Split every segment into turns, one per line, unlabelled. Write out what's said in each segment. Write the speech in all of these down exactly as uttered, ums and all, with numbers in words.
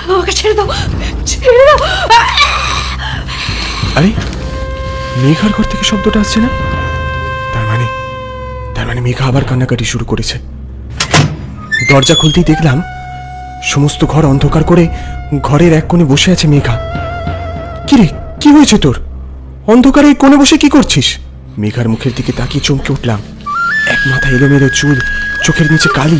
আমাকে ছেড়ে দাও, ছেড়ে দাও।
আরে মেঘার ঘর থেকে শব্দটা আসছে না? তার মানে তার মানে মেঘা আবার কান্নাকাটি শুরু করেছে। দরজা খুলতেই দেখলাম সমস্ত ঘর অন্ধকার করে ঘরের এক কোণে বসে আছে মেঘা। কি রে, কি হয়েছে তোর? অন্ধকারে এই কোণে বসে কি করছিস? মেঘার মুখের দিকে তাকিয়ে চমকে উঠলাম। এক মাথা এলোমেলো চুল, চোখের নিচে কালি।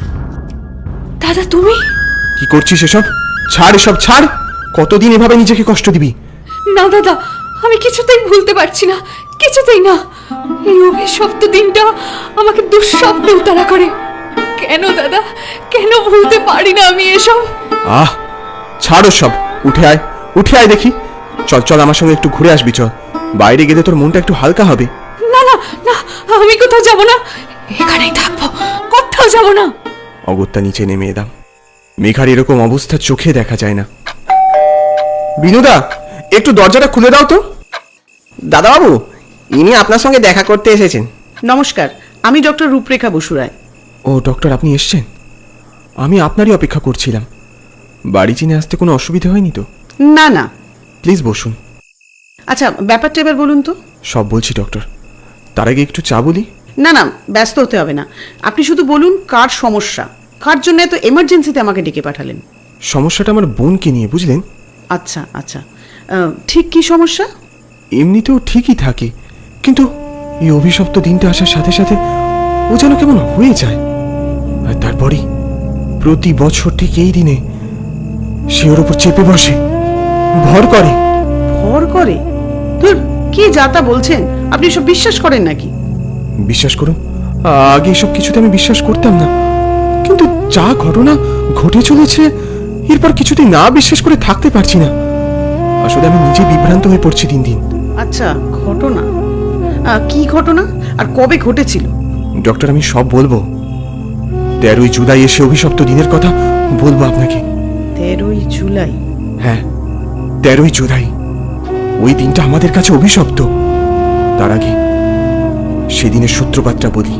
দাদা তুমি?
কি করছিস এসব? ছাড় এসব, ছাড়। কতদিন এভাবে নিজেকে কষ্ট দিবি?
না দাদা, আমি কিছুতেই ভুলতে পারছি না, কিছুতেই না। এই অভিশপ্ত দিনটা আমাকে দুঃস্বপ্নে উতারা করে। কেন দাদা, কেন ভুলতে পারি না আমি এসব?
আহ ছাড়ো সব, উঠে আয়, উঠে আয় দেখি। চল চল, আমার সঙ্গে একটু ঘুরে আসবি। চল, বাইরে গেলে তোর মনটা একটু হালকা হবে।
না না না, আমি কোথাও যাব না, এখানেই থাকবো, কোথাও যাব না।
অগত্যা নিচে নেমে এলাম। মেঘার এরকম অবস্থা চোখে দেখা যায় না। বিনুদা, একটু দরজাটা খুলে দাও তো।
দাদাবাবু, ইনি আপনার সঙ্গে দেখা করতে এসেছেন।
নমস্কার, আমি ডক্টর রূপরেখা বসু রায়।
ও ডক্টর, আপনি এসছেন? আমি আপনারই অপেক্ষা করছিলাম। বাড়ি চিনে আসতে কোনো অসুবিধা হয়নি তো?
না না।
প্লিজ বসুন।
আচ্ছা, ব্যাপারটা এবার বলুন তো।
সব বলছি ডক্টর, তার আগে একটু চা বলি।
না না, ব্যস্ত হতে হবে না, আপনি শুধু বলুন কার সমস্যা, কার জন্য এত এমার্জেন্সিতে আমাকে ডেকে পাঠালেন।
সমস্যাটা আমার বোনকে নিয়ে, বুঝলেন?
আচ্ছা আচ্ছা, আহ, ঠিক কি সমস্যা?
এমনিতেও ঠিকই থাকে, কিন্তু এই অভিশপ্ত দিনটা আসার সাথে সাথে ও যেন কেমন হয়ে যায়। আর তারপরই প্রতি বছর ঠিক এই দিনে সে ওর উপর চেপে বসে, ভর করে।
ভর করে? ধুর, কি যাতা বলছেন আপনি, সব বিশ্বাস করেন নাকি?
বিশ্বাস করুন, আগে এসব কিছুতে আমি বিশ্বাস করতাম না, কিন্তু যা ঘটনা ঘটে চলেছে এরপর কিছুতেই না বিশ্বাস করে থাকতে পারছি না। আসলে আমি নিজে বিভ্রান্ত হয়ে পড়ছি দিন দিন।
আচ্ছা, ঘটনা আহ, কি ঘটনা আর কবে ঘটেছিল?
ডক্টর, আমি সব বলবো। তেরোই জুলাই এসে অভিশপ্ত দিনের কথা বলবো আপনাকে।
তেরোই জুলাই?
হ্যাঁ, তেরোই জুলাই। ওই দিনটা আমাদের কাছে অভিশপ্ত। তার আগে সেদিনের সূত্রপাতটা বলি।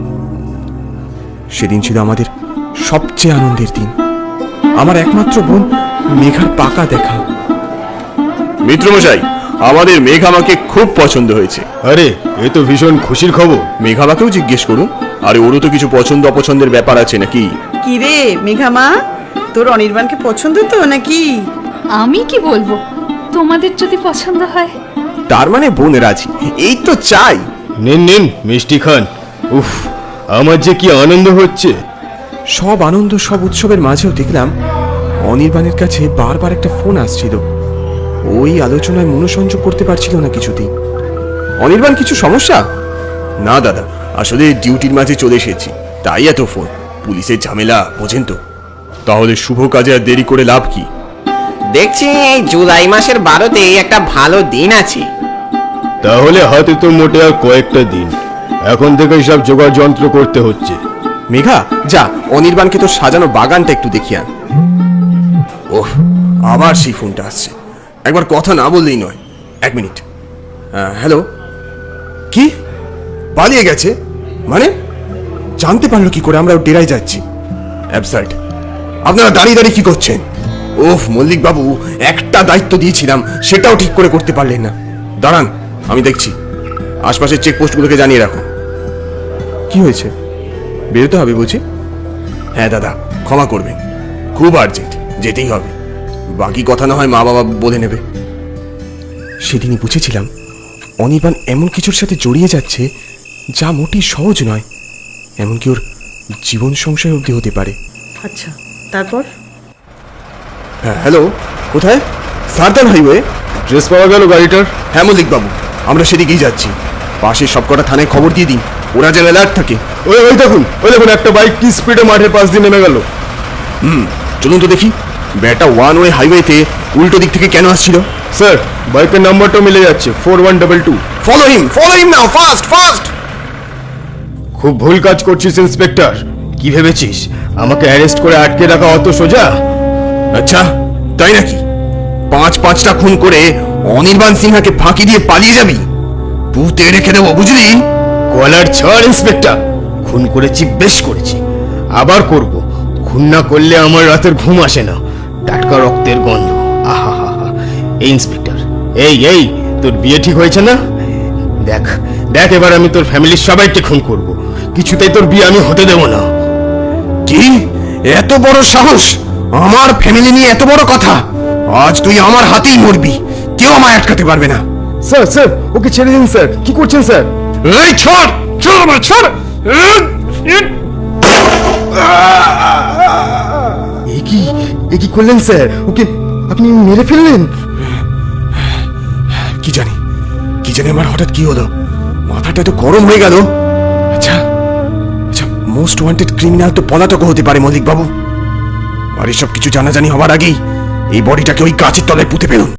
সেদিন ছিল আমাদের সবচেয়ে আনন্দের দিন। আমার একমাত্র বোন মেঘার পাকা দেখা।
মিত্রমশাই, আমাদের মেঘ আমাকে খুব পছন্দ হয়েছে।
আরে, এ তো ভীষণ খুশির খবর।
মেঘামাকেও জিজ্ঞেস করুন। আরে ওরও তো কিছু পছন্দ অপছন্দের ব্যাপার আছে নাকি?
কি রে মেঘা মা, তোর অনির্বাণকে পছন্দ তো নাকি?
আমি কি বলবো, তোমাদের যদি পছন্দ হয়।
তার মানে বোন রাজি, এই তো চাই।
নিন নিন মিষ্টি খান। উফ, আমার যে কি আনন্দ হচ্ছে।
সব আনন্দ, সব উৎসবের মাঝেও দেখলাম অনির্বাণের কাছে বারবার একটা ফোন আসছিল। ওই আলোচনায় মনোসংযোগ করতে পারছিল না কিছুতেই।
অনির্বাণ, কিছু সমস্যা? না দাদা, আসলে ডিউটির মাঝে চলে এসেছি, তাই এত ফোন। পুলিশের ঝামেলা বোঝেন তো। তাহলে শুভ কাজে আর দেরি করে লাভ কি?
দেখছি এই জুলাই মাসের বারোতে একটা ভালো দিন আছে।
তাহলে হাতে তো মোটে আর কয়েকটা দিন, এখন থেকে সব জোগাড় যন্ত্র করতে হচ্ছে।
মেঘা, যা অনির্বাণকে তোর সাজানো বাগানটা একটু দেখিয়ে আন।
ওহ, আবার সেই ফোনটা আসছে। একবার কথা না বললেই নয়। এক মিনিট। হ্যালো, কি পালিয়ে গেছে? মানে
জানতে পারলো কি করে আমরা ওর ডেরায় যাচ্ছি?
অ্যাবসার্ড। আপনারা দাঁড়িয়ে দাঁড়িয়ে কি করছেন? ওফ মল্লিক বাবু, একটা দায়িত্ব দিয়েছিলাম সেটাও ঠিক করে করতে পারলেন না। দাঁড়ান, আমি দেখছি। আশপাশের চেকপোস্টগুলোকে জানিয়ে রাখুন।
কি হয়েছে? বেরোতে হবে বুঝি?
হ্যাঁ দাদা, ক্ষমা করবেন, খুব আর্জেন্ট, যেতেই হবে। বাকি কথা না হয় মা বাবা বলে নেবে।
সেদিনই বুঝেছিলাম অনির্বাণ এমন কিছুর সাথে জড়িয়ে যাচ্ছে যা মোটেই সহজ নয়। এমনকি ওর জীবন সংশয় অবধি হতে পারে।
আচ্ছা, তারপর?
হ্যাঁ হ্যালো, কোথায়? সারদান হাইওয়ে।
ড্রেস পাওয়া গেল গাড়িটার?
হ্যাঁ মল্লিক বাবু, আমরা সেদিকেই যাচ্ছি। পাশের সবকটা থানায় খবর দিয়ে দিন, ওরা যেন অ্যালার্ট থাকে।
ওই ওই দেখুন, ওই দেখুন একটা বাইক কি স্পিডে মাঠের পাশ দিয়ে নেমে গেল।
হুম, চলুন তো দেখি ব্যাটা ওয়ান ওয়ে হাইওয়েতে উল্টো দিক থেকে কেন আসছিল।
স্যার, বাইকের নাম্বারটা মিলে যাচ্ছে, four one double two.
Follow him, follow him now, fast fast.
খুব ভুল কাজ করছিস ইন্সপেক্টর। কি ভেবেছিস আমাকে অ্যারেস্ট করে আটকে রাখা অত সোজা?
আচ্ছা তাই নাকি? পাঁচ পাঁচটা খুন করে অনির্বাণ সিনহাকে ফাঁকি দিয়ে পালিয়ে যাবি? পুঁতে রেখে দেবো, বুঝলি?
কলার ছাড় ইন্সপেক্টর। খুন করেছি, বেশ করেছি, আবার করব। খুন না করলে আমার রাতের ঘুম আসে না। টাটকা রক্তের গন্ধ। আহা হা হা। এই ইন্সপেক্টর, এই এই তোর বিয়ে ঠিক হয়েছে না? দেখ দেখ এবার আমি তোর ফ্যামিলির সবাইকে খুন করব, কিছুতেই তোর বিয়ে আমি হতে দেব না।
কি এত বড় সাহস? আমার ফ্যামিলি নিয়ে এত বড় কথা? আজ তুই আমার হাতেই মরবি, কেউ আমায় আটকাতে পারবে না।
স্যার স্যার ওকে ছেড়ে দিন স্যার, কি করছেন স্যার?
এই ছাড়, ছাড় আমার, ছাড়।
এ কি এ কি করলেন স্যার? ওকে আপনি মেরে ফেললেন?
কি জানি কি জানি আমার হঠাৎ কি হলো, মাথাটা তো গরম হয়ে গেল। আচ্ছা আচ্ছা, মোস্ট ওয়ান্টেড ক্রিমিনাল তো পলাতক হতে পারে মল্লিক বাবু, আর এসব কিছু জানাজানি হবার আগেই এই বডিটাকে ওই গাছের তলায় পুঁতে ফেলুন।